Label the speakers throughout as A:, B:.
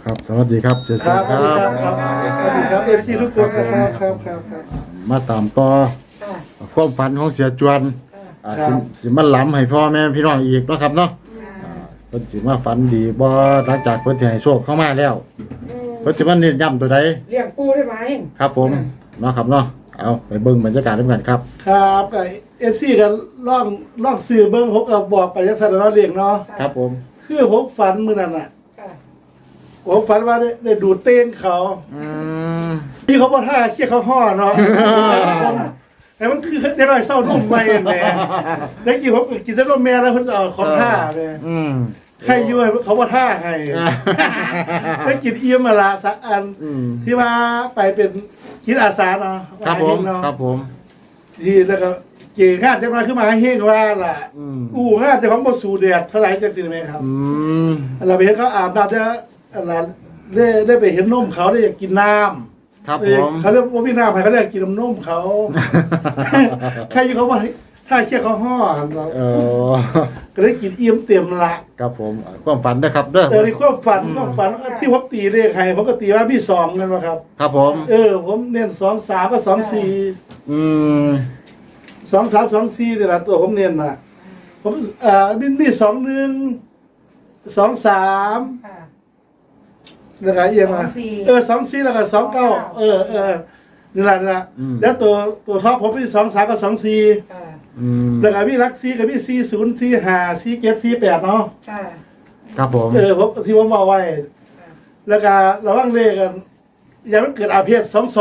A: ครับสวัสดีครับเสีย
B: ครับ
A: ค
B: ส
A: รั
B: วัสดีครับ
A: บ
B: สวัสดีครับเอฟซีทุกคนนะครับครับ
A: มาตามต่อความฝันของเสียจวนสิมาล้ำให้พ่อแม่พี่น้องอีกเนาะครับเนาะเพิ่นสิมาฝันดีบ่หลังจากเพิ่นสิให้โชคเข้ามาแล้วเพิ่นสิมาเน้นย้ำตัวใด
C: เลี้ยงปูได้ไหม
A: ครับผมเนาะครับเนาะเอาไปเบิ่งบรรยากาศด้วยกันครับ
B: ครับเอฟซีกันล่องสื่อเบิ้งผมก็บอกไปยังสัตว์เนาะเลี้ยงเนาะ
A: ครับผม
B: คือผมฝันมื้อนั้นน่ะผมฝันว่าได้ดูดเต้นเขา
A: อืม
B: ที่เขาบ่ท่าเชี่ยเขาห่อเนาะแต่มันคือได้หน่อยเศร้านุ่มไปแหมได้กินผมกินแต่นมแม่แล้วเพิ่นเอาของท่าแหม
A: อืม
B: ใครอยู่ให้เขาบ่ท่าให้ได้กินเอี่ยมมาละสักอัน
A: อืม
B: ที่ว่าไปเป็นคิดอาสาเนาะ
A: ครับผม
B: เนาะ
A: ครับผม
B: ที่แล้วก็เก่งข้าจะมาขึ้นมาให้เฮงว่าล่ะ
A: อืม
B: ข้าจะของบสูแดดเท่าไหร่จังสิไหมครับ
A: อืม
B: เราไปเห็นเขาอาบน้ำจะอะไรได้ไปเห็นนมเขาได้อยากกินน้ำ
A: ครับผม
B: เขาเรียกว่าพี่น้ำใครเขาได้อยากกินนมเขา ใครอยู่เขาว่าถ้าเชี่ยเขาห่อเรา
A: เออ
B: ก็ได้กินเอี่ยมเต็มละ
A: ครับผมความฝันนะครับเด้อ
B: แต่ในความฝันที่ผมตีเลขให้ผมก็ตีว่าพี่สองนั่นวะครับ
A: ครับผม
B: ผมเน้น2-3ก็2-4
A: อืม
B: 2-3-2-4แต่ละตัวผมเน้นน่ะผมมี2-1 2-3
C: ค่ะ
B: แล้วก็เอียงมา 2-4แล้วก็2-9นี่แหละแล้วตัวท็อปผมมี2-3กับ2-4
C: ค่ะ
A: อืม
B: แล้วก็มีรัก4กับมี40 45 47 48เนาะ
C: ค่ะ
A: ครับผม
B: ผมที่ผมบอกไว้ แล้วก็ระวังเลขกันอย่ามันเกิดอาเพศ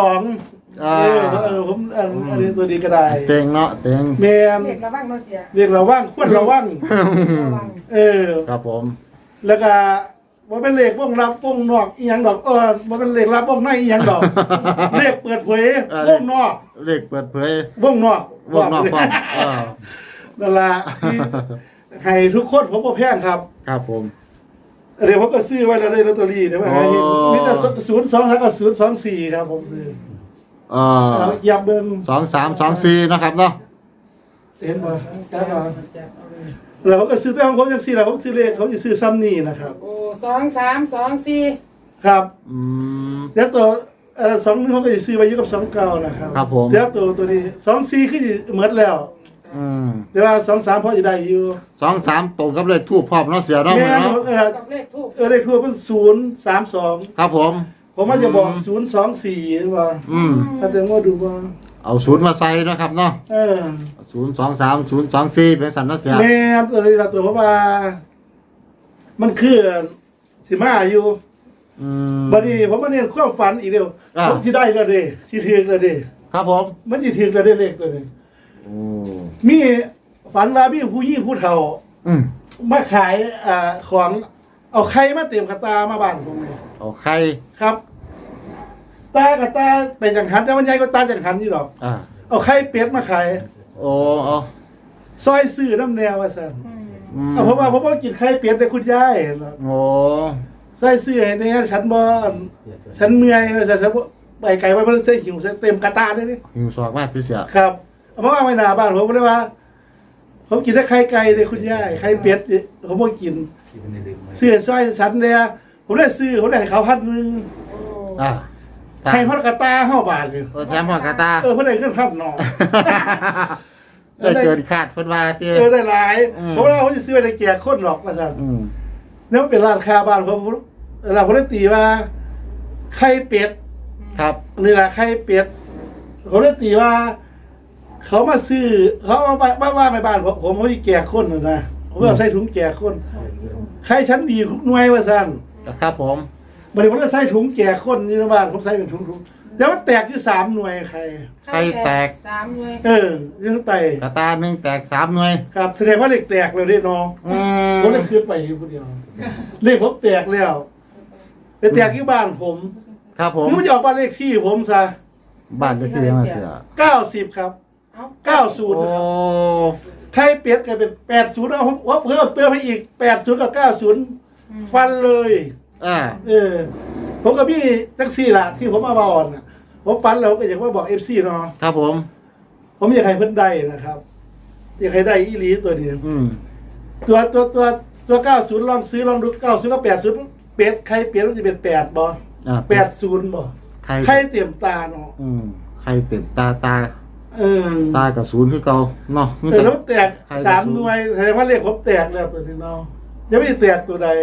B: 22ผมอันนี้ตัวดีก็ได้
A: เต็งเนาะเต็ง
B: แมน
C: เด็กระวังเนาะเสีย
B: เรียกระวังควรระวัง
C: ระวัง
A: ครับผม
B: แล้วก็ว่าเป็นเลขวงรับวงนอกอีหยังดอกว่าเป็นเลขรับวงในอีหยังดอก เลขเปิดเผยวงนอก
A: เลขเปิดเผยว
B: งนอก
A: วงนอกพร้อม
B: นั่นล่ะที่ให้ทุกคนผมบ่แพงครับ
A: ครับผม
B: เดี๋ยวผมก็ซื้อไว้แล้วได้ลอตเตอรี่เดี๋ยวมาหาเห็นมีแต่02กับ024ครับผมซื้อยับเบิ่ง
A: 2324นะครับเนาะ
B: เห็นบ่แซ่บบ่แล้วผมก็ซื้อแต่ของผมจังซี่แหละผมซื้อเลขเขาสิซื้อซ้ำนี่นะครับ
C: โอ้2-3-2-4
B: ครับ
A: อืม
B: แล้วตัว2นึงเขาก็สิซื้อไว้อยู่กับ29นะครับ
A: ครับผม
B: แล้วตัวนี้24คือสิหมดแล้ว
A: อืม
B: แต่ว่า2-3พอสิได้อยู่
A: 23ตรงกับเลขทูปพร้อมเนาะเสียเนาะ
B: แม่น
A: เนาะ
C: กับเลขทูบ
B: เลขทั่วเป็น032
A: ครับผม
B: ผมว่าจะบอก024หรือว่า
A: อืม
B: ถ้าแต่ว่าดูว่า
A: เอาศูนย์มาใส่นะครับเนาะ023024เป็นสันเนาะเสีย
B: แม่ตัวนี้ละตัวเพราะว่า มันคือสิมาอยู่
A: อืม
B: บัดนี้ผมมาเนี่ยความฝันอีกเดียวผมสิได้แล้วเด้สิถึกแล้วเด้
A: ครับผม
B: มันสิถึกแล้วเด้เลขตัวนี้
A: โอ้
B: มีฝันว่ามีผู้หญิงผู้เฒ่า
A: อืม
B: มาขายของเอาไข่มาเตรียมกระตามาบ้านผมนี่
A: เอาไข่
B: ครับตากระตาเป็นจังหันแต่มันใหญ่กว่าตาจังหันอยู่ดอก เอาไข่เป็ดมาขาย
A: โอ้เอา
B: ซอยซื้อน้ำแนวว่าซั่น
A: อืม
B: เพราะว่าผมบ่กินไข่เป็ดแต่คุณยายเนาะ
A: โอ้
B: ซอยซื้อให้เนี่ยฉันบ่ฉันเมื่อยว่าซั่นฉันบ่ไปไกลไว้มันใส่หิวใส่เต็มกระตาเลยนี่
A: หิวสอกมากพี่เสีย
B: ครับเอามาไว้หน้าบ้านผมเลยว่า ผมกินได้ไข่ไก่เลยคุณยายไข่เป็ดนี่ผมบ่กินซื้อซอยฉันเนี่ยผมได้ซื้อผมได้ให้เขา1,000
C: โอ้
B: ให้ฮอดกระตา5บาทนี่
A: แถมหัวกระตา
B: เพิ่นได้เงิน1,000เนาะ
A: ได้เกินคาดเพิ่นว่าเจ้
B: ได้หลายผมว่าผมจะซื้อไปในแจกคนหรอกว่าซั่น
A: อืม
B: แล้วเป็นร้านค้าบ้านผมเราผมได้ตีว่าไข่เป็ด
A: ครับ
B: นี่แหละไข่เป็ดผมได้ตีว่า เขามาซื้อเขาเอาว่าไปบ้านผมเขาที่แจกคนนะผมเอาใส่ถุงแจกคนไข่ชั้นดีทุกหน่วยว่าซั่น
A: ครับผม
B: บัดนี้ผมก็ใส่ถุงแจกคนนี่นะบ้านผมใส่เป็นถุงแต่ว่าแตกอยู่3หน่วยไข่
A: ไข่แตก
C: 3 เลย
B: ยังไต
A: กระตาหนึ่งแตก3หน่วย
B: ครับแสดงว่าเลขแตกเลยได้น้อง
A: อืม
B: ผมเลยคืนไปอยู่คนเดียวเลขผมแตกแล้วไปแตกที่บ้านผม
A: ครับผม
B: คือมันจะออกบ้านเลขที่ผมซะ
A: บ้านก็คือยังไงเสีย
B: 90ครับ
C: เอ้า
B: 90
A: โอ้
B: นะครับไข่เป็ดกลายเป็น80เอาผมว่าเพิ่มเติมให้อีก80กับ90ฟันเลย ผมกับพี่แท็กซี่ล่ะที่ผมมาบอนน่ะผมฟันแล้วก็อยากว่าบอก FC เนาะ
A: ครับผม
B: ผมอยากให้เพิ่นได้นะครับอยากให้ได้อีหลีตัวนี้
A: อืม
B: ตัว90ลองซื้อลองดู90กับ80 เป็ดไข่เป็ดมันจะเป็น8บ่ 80บ่
A: ไข่
B: ไข่เต็มตาเนาะ
A: ไข่เต็มตา
B: เออ
A: ตากับศูนย์คือเก่าเนาะ
B: แล้วแตก3หน่วยแสดงว่าเลขผมแตกแล้วตัวนี้เนาะยังไม่ได้แตกตัวใด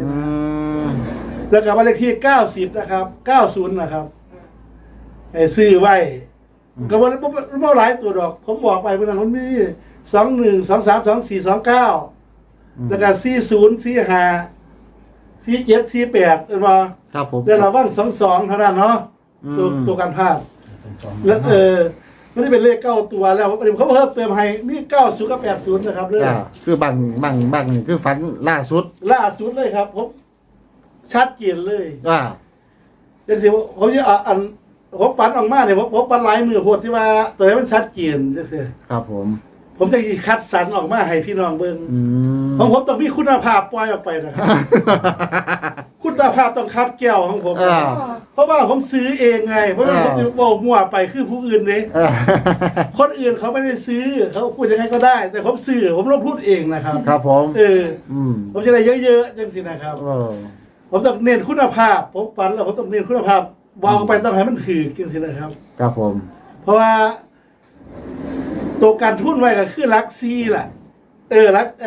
B: แล้วก็บ้านเลขที่90นะครับ90นะครับให้ซื้อไว้ก็บ่หลายตัวดอก ผมบอกไปเมื่อนั้นมันมี21 23 24 29แล้วก็40 45 47 48เห็นบ่
A: ครับผม
B: แล้วเราว่าง22เท่านั้นเนาะตัวการพลาดแล้วมันจะเป็นเลข9ตัวแล้วเขาเพิ่มเติมให้มี90กับ80นะครับเด้อ
A: คือบางนี่คือฝันล่าสุด
B: ล่าสุดเลยครับผมชัดเจนเลย
A: อ่า
B: เดี๋ยวสิผมจะอันผมฝันออกมาเนี่ยผมฝันหลายมือโหดที่ว่าตัวนี้มันชัดเจนจังซี่
A: ครับผม
B: ผมจะคัดสรรออกมาให้พี่น้องเบิ่งของผมต้องมีคุณภาพปล่อยออกไปนะครับ คุณภาพต้องคับแก้วของผม เพราะว่าผมซื้อเองไงเพราะว่าผมบอกมั่วไปคือผู้อื่นเนี่ยคนอื่นเขาไม่ได้ซื้อเขาพูดยังไงก็ได้ แต่ผมซื้อผมต้องพูดเองนะครับ
A: ครับผม
B: ผมจะได้เยอะๆจังสินะครับผมต้องเน้นคุณภาพผมฝันแล้วผมต้องเน้นคุณภาพวางไปต้องให้มันถือจังสินะครับ
A: ครับผม
B: เพราะว่าตัวการทุนไว้ก็คือรักซีแหละรัก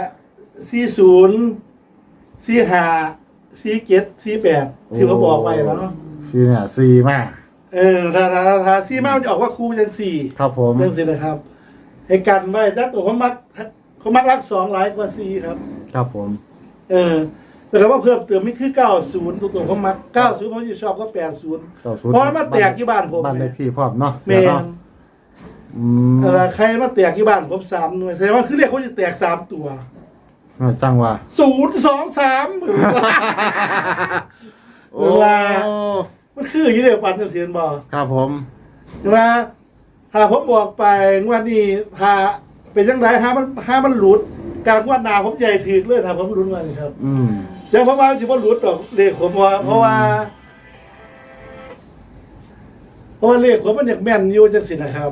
B: 40 45 47 48ที่ผมบอกไปแล้วเนาะ
A: คือเนี่ยซีมาก
B: ถ้าซีมากมันจะออกว่าครูเป็น4
A: ครับผม
B: เรื่องสินะครับให้กันไว้ถ้าตัวเขามักรัก2หลายกว่า4ครับ
A: ครับผม
B: แต่คำว่าเพิ่มเติมไม่คือ90ตัวเขามัก90ผมจะชอบก็80เพราะมาแตกที่บ้านผม
A: บ้านเลขที่พร้อมเนาะ
B: แม่นใครมาแตกที่บ้านผม3หน่วยแสดงว่าคือเรียกเขาจะแตก3ตัว
A: จังว่า
B: 023เวลามันคืออย่างนี้เดียวปันเสียนบอก
A: ครับผม
B: ว่าถ้าผมบอกไปว่านี่ถ้าเป็นยังไงห้ามันหลุดการงวดหนาผมใหญ่ถือเลยถ้าผมหลุดมาเลยครับแต่ผมว่าที่ผมหลุดหรอกเลขผมว่าเพราะว่าเลขผมมันอยากแม่นอยู่จังสินะครับ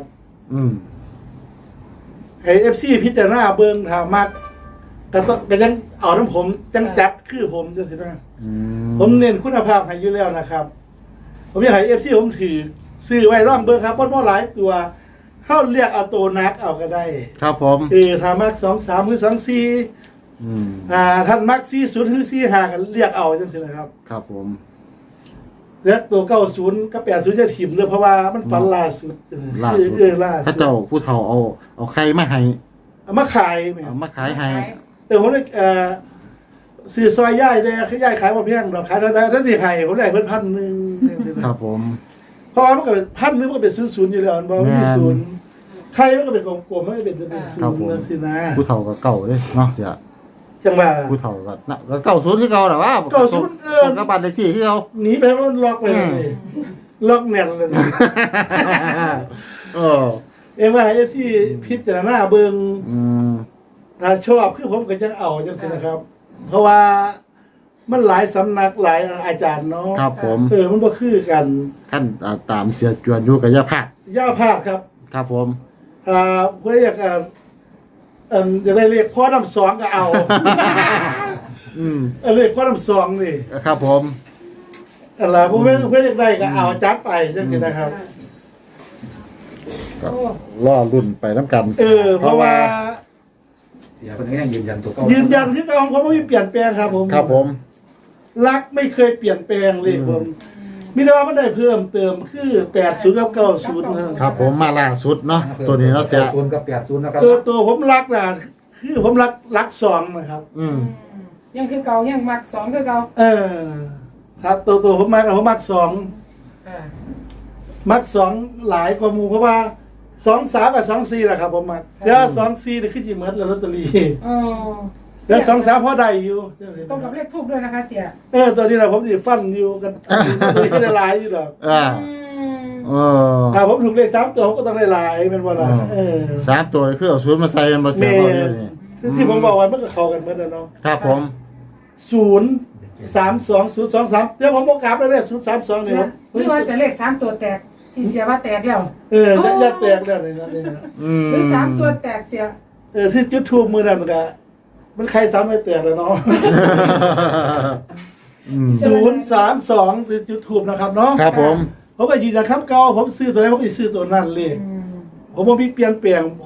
B: ไอFC พิจารณาเบิ่งถามมากก็ยังเอาน้ำผมจังจัดคือผมจังสินะผมเน้นคุณภาพให้อยู่แล้วนะครับ ผมอยากให้ FC ผมถือซื้อไว้ร่องเบิ่งครับเพราะหลายตัวเข้าเรียกเอาตัวนักเอาก็ได้
A: ครับผม
B: ถ้ามัก2-3หรือ2-4ท่านมัก40หรือ45กันเรียกเอาจังซี่นะครับ
A: ครับผม
B: แล้วตัว90กับ80จะถิ่มเลยเพราะว่ามันฝันล่าสุดล่าสุด
A: ถ้าเจ้าผู้เฒ่าเอาไข่มาให้
B: เอามาขายแม่
A: เอามาขายให้
B: ผมได้ซื้อซอยย่ายได้ย่ายขายบ่เพียงดอกขายได้ถ้าสิให้ผมได้เพิ่น1,000
A: ครับผม
B: เพราะว่ามันก็เป็น1,000มันก็เป็น00อยู่แล้วบ่มี0ใครมันก็เป็นกลมๆมันก็เป็น0นั่นสินะ
A: ผู้เฒ่าก็เก่าเด้เนาะเสีย
B: จังว่า
A: ผู้เฒ่าก็น่ะก็เก่าศูนย์คือเก่าแหละว่าก็บ้านเลขที่คือเก่า
B: หนีไปมันล็อกไปเลยล็อกแน่นเลยเอ็มว่าที่พิจารณาเบิ่งถ้าชอบคือผมก็จะเอาจังซี่นะครับ เพราะว่ามันหลายสำนักหลายอาจารย์เนาะ
A: ครับผม
B: มันบ่คือกัน
A: ขั้นตามเสียจวนอยู่กับย่าภาค
B: ย่าภาคครับ
A: ครับผม
B: เพื่ออยากจะได้เลขพ่อน้ำ2ก็เอาเลขพ่อน้ำ2นี่
A: ครับผม
B: อะไรเพื่ออยากได้ก็เอาจัดไปจังซี่นะครับ
A: ก็ล่อรุ่นไปน้ำกัน
B: เพราะว่า
D: เสียเป็นแง่ยืนยันตัวเก่า
B: ยืนยันคือเก่าของผมไม่มีเปลี่ยนแปลงครับผม
A: ครับผม
B: รักไม่เคยเปลี่ยนแปลงเลยผมมีแต่ว่ามันได้เพิ่มเติมคือ80กับ90
A: ครับผมมาล่าสุดเนาะตัวนี้เนาะเสีย
D: 0กับ80นะครับ
B: ตัวผมรักนะคือผมรัก2นะครับ
C: ยังคือเก่ายังมัก2คือเก่า
B: ถ้าตัวผมมัก2มัก2หลายกว่าหมู่เพราะว่า2-3กับ2-4แหละครับผมมักแล้ว2-4นี่คือสิเหมือนลอตเตอรี่แล้ว2-3พอได้อยู่
C: ตรงกับเลขทูบด้วยนะคะเสีย
B: ตัวนี้นะผมสิฟันอยู่กันตัวนี้ก็ได้หลายอยู่ดอกถ้าผมถูกเลข3ตัวผมก็ต้องได้หลายเป็นว่าล่ะ
A: 3ตัวคือเอาศูนย์มาใส่กันบ่เสียบ่นี่
B: ที่ผมบอกว่ามันก็เข้ากันเหมือนกันเนาะ
A: ครับผม
B: 0-3-2-0-2-3เดี๋ยวผมบอกกลับแล้วเนี่ย0-3-2นี่ครับ
C: หรือว่าจะเลข3ตัวแตกที่เสียว่าแตกแล้ว
B: ยัดแตกแล้วนี่นะ
C: หรือ3ตัวแตกเสีย
B: ที่จุดทูบมือนั่นก็มันใครซ้ำไม่แตกเลยเนาะ 032คือ YouTube นะครับเนาะ
A: ครับผม
B: ผมก็ยืนยันคำเก่าผมซื้อตัวไหนผมก็ซื้อตัวนั้นเลย ผมบ่มีเปลี่ยนแปลงผม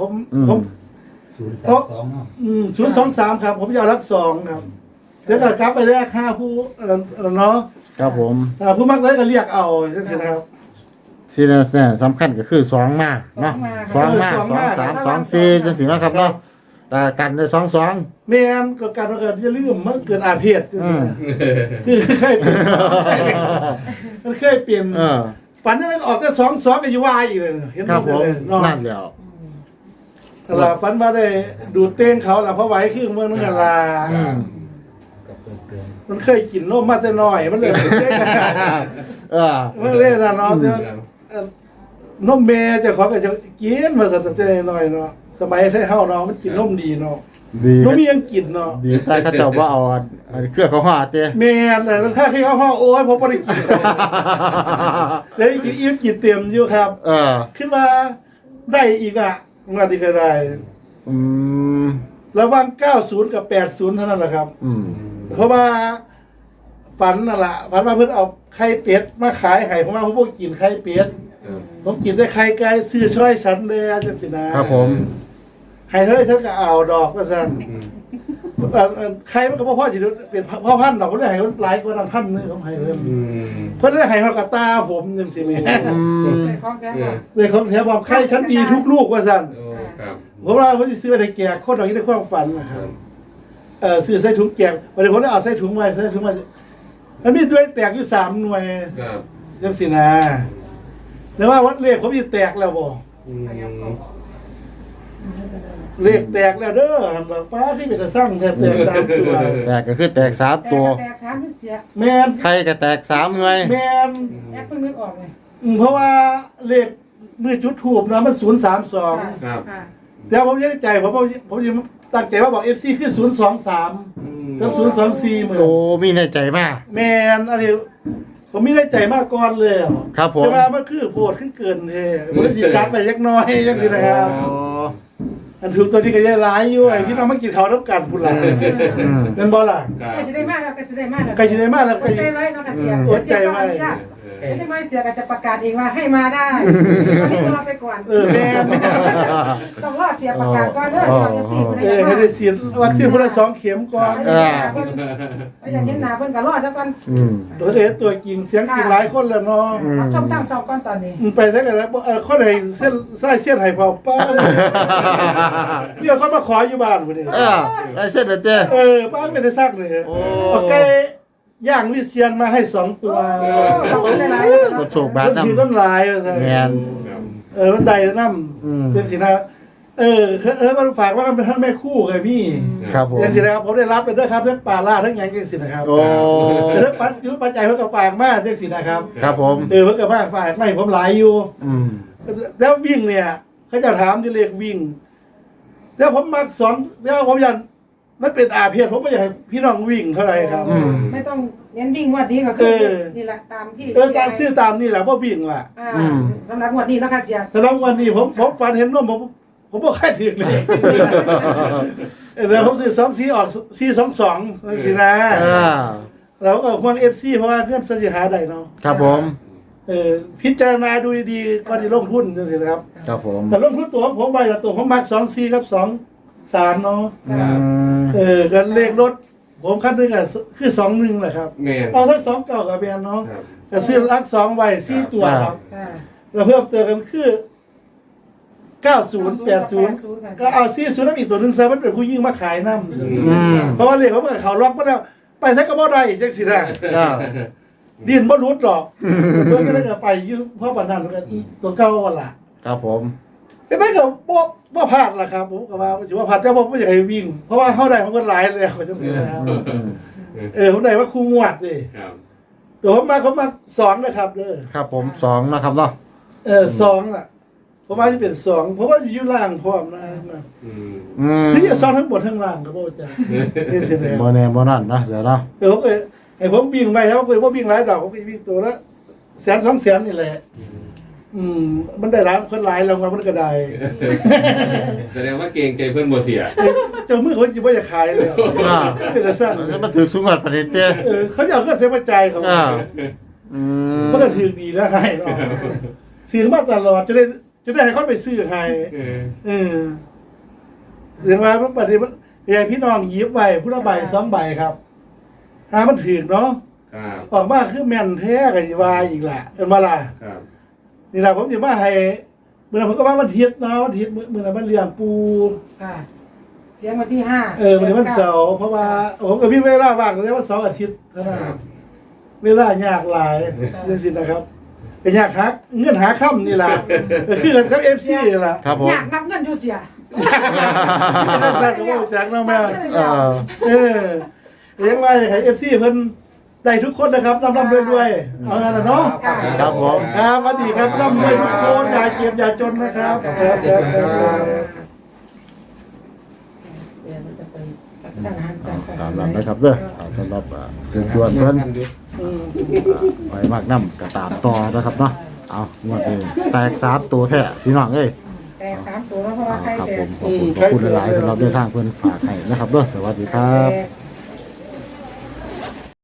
B: 023ครับ ผมจะเอารัก2ครับเดี๋ยวก็กลับไปแรก5ผู้เนาะ
A: ครับผม
B: ผู้มักได้ก็เรียกเอาจังซี่นะครับ
A: ที่แน่ๆสำคัญก็คือ2มาเนาะ2มา2 3 2 4จังซี่เนาะครับเนาะแต่กันได้2
B: แม่นก็การว่าเกิดจะลืมมันเกิดอาเพศจังซี่นะคือเคยเป็นมันเคยเป็น ฝันนั้นก็ออกแต่2ก็อยู่ว่าอีกเลยเห็น
A: ครับผม
B: เนาะ
A: นั่นแล้ว
B: ตลาดฝันว่าได้ดูดเต้งเขาล่ะเพราะไหวคือเมืองนั่นล่ะ
A: อืม
B: มันเคยกินนมมาแต่น้อยมันเลยเต้ง มันเลยนะเนาะแต่ว่านมแม่เจ้าของก็จะกินมาตั้งแต่น้อยเนาะสมัยไทเฮาเนาะมันกินนมดีเนาะ
A: ดี
B: นมมียังกินเนาะ
A: ดีใต้เขาเจ้าว่าเอาอันเครื่องเขาหาเจ้
B: แม่นแต่ถ้าขี้เฮาโอ้ยผมบ่ได้กินเดี๋ยวกินอิ่มกินเต็มอยู่ครับ ขึ้นมาได้อีกอ่ะงานที่ก็ได้
A: อืม
B: ระหว่าง90กับ80เท่านั้นแหละครับ
A: อืม
B: เพราะว่าฝันนั่นแหละฝันว่าเพิ่นเอาไข่เป็ดมาขายให้ผมว่าผมบ่กินไข่เป็ดผมกินแต่ไข่ไก่ซื้อช่อยฉันเลยจังซี่นะครับ
A: ผม
B: ให้เท่าไหร่ฉันก็เอาดอกว่าซั่นไข่มันก็บ่พอสิเป็นพ่อพันธุ์ดอกเพิ่นเลยให้มันหลายกว่านั้นพันนึงผมให้เพิ่นเพิ่นเลยให้เฮากระตาผมจังซี่แหม
A: อืม
C: ในของแท้ค่ะ
B: เลยของแถมบอกไข่ฉันดีทุกลูกว่าซั่น
E: ครับ
B: ผมว่าผมสิซื้อไปให้แก่คนดอกนี้ในความฝันนะครับซื้อใส่ถุงแกงวันนี้ผมได้เอาใส่ถุงไว้มันมีด้วยแตกอยู่3หน่วย
E: ครับ
B: จังสินะแต่ว่าวัดเลขผมจะแตกแล้วบ่ เลขแตกแล้วเด้อหันหลังป้าที่เป็นตะสร้างแตก3ตัว
A: แตกก็คือแตก3ตัว
C: แตก3เสีย
B: แม่น
A: ไข่ก็แตก3หน่วย
B: แม่น
C: แอปเพิ่งนึกออกเลย
B: เพราะว่าเลขมือจุดถูกนะมัน032
E: ครับ
C: ค่ะ
B: แต่ผมยังใจผมยังตั้งใจว่าบอก FC คือ023กับ024เหมือน
A: โอ้มีในใจมาก
B: แม่นอันนี้ผมมีได้ใจมากก่อนเลยอ่ะ
A: ครับผม
B: แต่ว่ามันคือโพดขึ้นเกินเท่ผมได้ยินการไปเล็กน้อยจังซี่นะครับ
A: อ๋อ
B: อันถูกตัวนี้ก็ยังหลายอยู่ไอ้พี่น้องมากินข้าวน้ำกันพุ่นล่ะ
A: อืม
B: เป็นบ่ล่ะ
E: ครับ
C: ใกล้จะได้มากแล้วใกล้จะได้มากแล้ว
B: ใกล้จะได้มากแล้ว
C: อดใจไว้เนาะค่ะเสีย
B: อดใจไว้
C: ไม่ได้ไม่เสียก็จะประกาศเองว่าให้มาได้ตอนนี้รอไปก่อน
B: แม่น
C: ต้องรอเสียประกาศก่อนเด้อรอเอฟซีไม่
B: ให้
C: ได้
B: ได้ฉีดวัคซีนพุ่นละ2 เข็มก่อน
C: อย่างเห็นหน้าเพิ่นก็รอสักวัน
A: อืม
B: ตัวเห็นตัวจริงเสียงจริงหลายคนแล้วเนาะ
C: รับชมตั้งสองก่อนตอนนี้
B: ไปซะกันแล้วคนไหนเส้นไส้เส้นให้เผาป้าเนี่ยเขามาขออยู่บ้านพุ่นนี่
A: ได้เส้นเด้อเจ้
B: ป้าไม่ได้ซักเลย
A: โอ้
B: เอาไก่ย่างวิเชียนมาให้2 ตัว
C: ขอบคุณหลาย
A: กดโชคบาท
B: มัน
A: นำ
B: ถือต้นลายว่าซั่น
A: แม่น
B: มันใดน้
A: อืม
B: ำเป็นสินะมันฝากว่ามันเป็นท่านแม่คู่ไงพี่
A: ครับผม
B: อย่างสินะครับผมได้รับไปด้วยครับทั้งปลาล่าทั้งหยังจังสินะครับ
A: โอ้
B: แต่ทั้งปัจจุปัจจัยเพิ่นก็ฝากมากจังสินะครับ
A: ครับผม
B: เพิ่นก็ฝากไม่ผมหลายอยู่
A: อืม
B: แล้ววิ่งเนี่ยเขาจะถามที่เลขวิ่งแล้วผมมัก2แล้วผมอยากมันเป็นอาเพียรผมไม่อยากให้พี่น้องวิ่งเท่าไหร่ครับ
C: ๆไม่ต้องเน้นวิ่งงวดนี้ก็คือนี่แหละตามที่
B: การซื้อตามนี่แหละเพราะวิ่งล่ะ
C: สำหรับงวดนี้นะคะเสีย
B: สำหรับวันนี้ผมฝันเห็นนมผมบ่ค่อยถึงเลยเดี๋ยวผมซื้อ2 4ออก422สินะ แล้วก็ห่วง FC เพราะว่าเพื่อนสถิหาได้เนาะ
A: ครับผม
B: พิจารณาดูดีๆก่อนที่ลงทุนจังซี่นะครับ
A: ครับผม
B: แต่ลงทุนตัวของผมไปละตัวผมมัก24กับ23เนาะ ก็เลขรถผมคันนึงอ่ะคือ21แหละครับ
E: แม่น
B: เอาทั้ง2เก่ากับแบนเนาะ
E: ครับ
B: ก็ซื้อลัก2ไว้4ตัวครับ
C: ค่ะ
B: แล้วเพิ่มเติมกันคือ90 80ก็เอา40นำอีกตัวนึงซะมันเป็นผู้ยิ่งมาขายนำเพราะว่าเลขเขาเปิดเขาล็อกมาแล้วไปซะก็บ่ได้จังซี่นะ ดินบ่รุดหรอกเพิ่นก็เลยไปอยู่เพราะปานนั้นก็ตัวเก่าว่าล่ะ
A: ครับผม
B: ก็ได้ก็บ่พลาดล่ะครับผมก็ว่าสิว่าพลาดแต่บ่อยากให้วิ่ง เพราะว่าเฮาได้ของเพิ่นหลายแล้วจังซี่นะครับผมได้ว่าครูงวดดิ
E: ครับ
B: ตัวผมมา2นะครับเด้อ
A: ครับผม2นะครับเนาะ
B: 2อ่ะผมว่าสิเป็น2เพราะว่าอยู่ล่างพร้อมนะ
E: อืม
B: คือจะซ้อนทั้งบนทั้งล่างก็บ่จ้ะนี่สิแหละ
A: บ่แน่บ่นั่นนะเดี๋ยวเนาะ
B: ผมให้ผมวิ่งไปครับผมบ่วิ่งหลายดอกผมก็วิ่งตัวละ100,000 200,000นี่แหละมันได้รับคนหลายรางวัลมันก็ได้
E: แสดงว่าเก่งใจเพื่อนบ่เสีย
B: เจ้ามือเขาจะว่าจะขายเลยเป็นแต่สั้น
A: มันถือสูงกว่าประเด็นเต้
B: เขาอยากก็เสียใจเขา มันก็ถือดีแล้วให้เนาะถือมาตลอดจะได้ให้เขาไปซื้อให้เรื่องว่ามันปฏิบัติอย่างพี่น้องยิบใบผู้ละใบ2 ใบครับหามันถือเนาะ
E: ครับ
B: ออกมาคือแม่นแท้กันวายอีกแหละเป็นมาล่ะ
E: ครับ
B: นี่แหละผมจะมาให้เมื่อผมก็ว่าวันอาทิตย์เนาะวันอาทิตย์เมื่อมันเลี้ยงปู
C: ค่ะเลี้ยงวันที่5
B: วันนี้วันเสาร์เพราะว่าผมกับพี่เวลาว่างแต่ว่า2 อาทิตย์เท่านั้นเวลายากหลายเรื่องสินะครับเป็นยากฮักเงื่อนหาค่ำนี่แหละคือกันกับFC นี่แหละ
A: ครับผม
C: อยากนับเงินอยู่เสีย
B: นั่นก็ว่าจากน้องแม่เลี้ยงไว้ให้ FC เพิ่นได้ทุกคนนะครับร่ำๆรวยๆเอางั้นน่ะเนาะ
A: ครับผม
B: ครับสวัสดีครับร่ำรวยทุกคนอย่าเก็บอย่าจนนะครับครับครับ
A: ตามนั้นนะครับเด้อสำหรับเชิญชวนเพิ่นไปมากน้ำก็ตามต่อนะครับเนาะเอางวดนี้แตก3 ตัวแท้พี่น้องเอ้ย
C: แต่3 ตัวแล้วเพราะว่าใคร
A: ครับ
C: แต่
A: ผมขอบคุณหลายๆสำหรับเดินทางเพิ่นฝากให้นะครับเด้อสวัสดีครับ
C: แต่